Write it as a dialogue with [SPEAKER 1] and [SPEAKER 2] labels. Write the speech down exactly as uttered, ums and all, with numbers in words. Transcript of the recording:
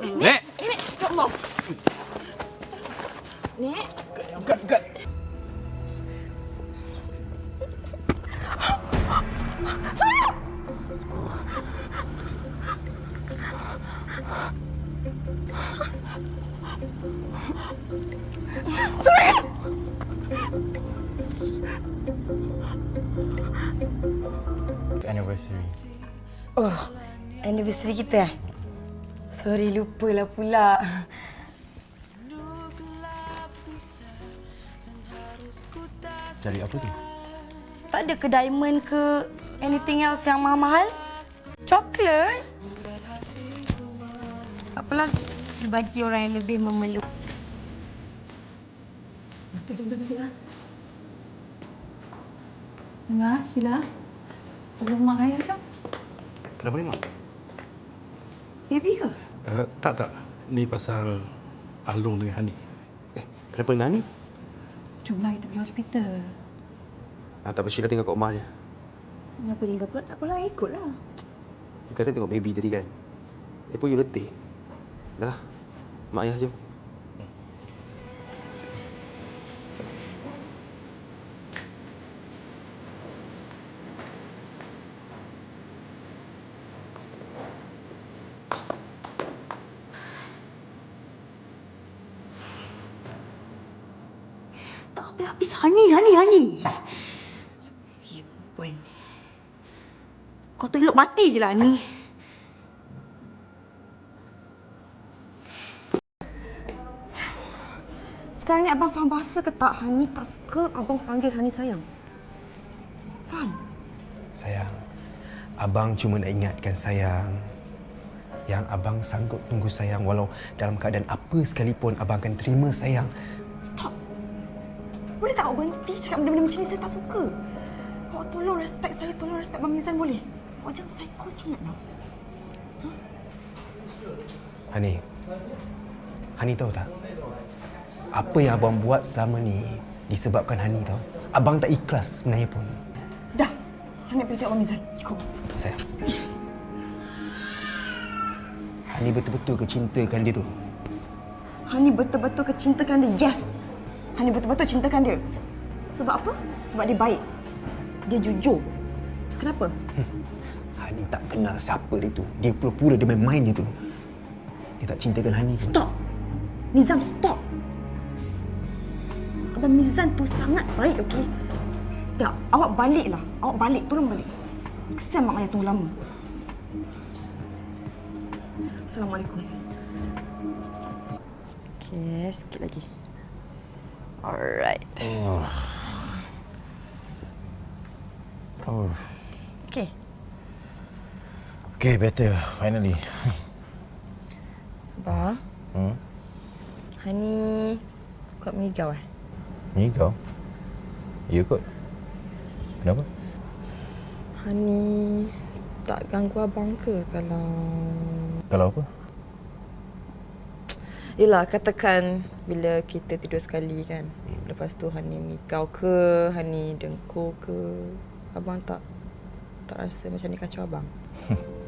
[SPEAKER 1] Nek!
[SPEAKER 2] Nek! Ya Allah! Nek!
[SPEAKER 1] Kat, kat.
[SPEAKER 2] Surya! Surya!
[SPEAKER 1] Anniversary.
[SPEAKER 2] Oh, anniversary kita eh? Sorry, lupalah pula.
[SPEAKER 1] Cari apa tu?
[SPEAKER 2] Tak ada ke diamond ke anything else yang mahal-mahal? Coklat? Tak apalah, bagi orang yang lebih memeluk.
[SPEAKER 3] Dengar, Sheila. Tolong mak raya macam.
[SPEAKER 1] Kenapa ni, Mak?
[SPEAKER 2] Baby ke?
[SPEAKER 4] Uh, tak, tak. Ni pasal Alung dengan Hani.
[SPEAKER 1] Eh, kenapa dengan Hani?
[SPEAKER 3] Jomlah kita pergi hospital.
[SPEAKER 1] Ah, tak apa, Sheila tinggal kat rumah je.
[SPEAKER 2] Kenapa tinggal pula? Tak apalah, ikutlah.
[SPEAKER 1] You kata tengok baby tadi kan? Eh pun you letih. Dah lah. Mak ayah jom.
[SPEAKER 2] Tak habis-habis. Hani, Hani, Hani. Ibu. Kau tu elok mati je lah, Hani. Sekarang ni abang faham bahasa ke tak? Hani tak suka abang panggil Hani sayang. Faham?
[SPEAKER 5] Sayang, abang cuma nak ingatkan sayang yang abang sanggup tunggu sayang walau dalam keadaan apa sekalipun abang akan terima sayang.
[SPEAKER 2] Stop. Boleh tak awak berhenti cakap benda-benda macam ni? Saya tak suka. Awak tolong respect saya, tolong respect Abang Mizan boleh? Awak jangan psycho sangat lah. Huh?
[SPEAKER 5] Hani, Hani tahu tak? Apa yang abang buat selama ni disebabkan Hani tahu. Abang tak ikhlas sebenarnya pun.
[SPEAKER 2] Dah. Hani pergi tengok Abang Mizan. Ikut.
[SPEAKER 5] Sayang. Hani betul-betul kecintakan dia tu.
[SPEAKER 2] Hani betul-betul kecintakan dia. Yes. Hani betul-betul cintakan dia. Sebab apa? Sebab dia baik. Dia jujur. Kenapa?
[SPEAKER 5] Hani tak kenal siapa dia tu. Dia pura-pura dia main-main dia tu. Dia tak cintakan Hani pun.
[SPEAKER 2] Stop. Nizam, stop. Abang Mizan tu sangat baik, okey? Tak, awak baliklah. Awak balik, tolong balik. Kesian mak ayah tunggu lama. Assalamualaikum. Okey, sikit lagi. Alright.
[SPEAKER 1] Oh. Oh.
[SPEAKER 2] Okey.
[SPEAKER 1] Okay, better. Finally.
[SPEAKER 2] Abang,
[SPEAKER 1] Hmm?
[SPEAKER 2] Hani kuat mengigau eh?
[SPEAKER 1] Ni kau? You kot? Kenapa?
[SPEAKER 2] Hani tak ganggu abang ke kalau...
[SPEAKER 1] Kalau apa?
[SPEAKER 2] Yelah, katakan bila kita tidur sekali kan. Lepas tu Hani mengigau ke, Hani dengkur ke. Abang tak tak rasa macam ni kacau abang?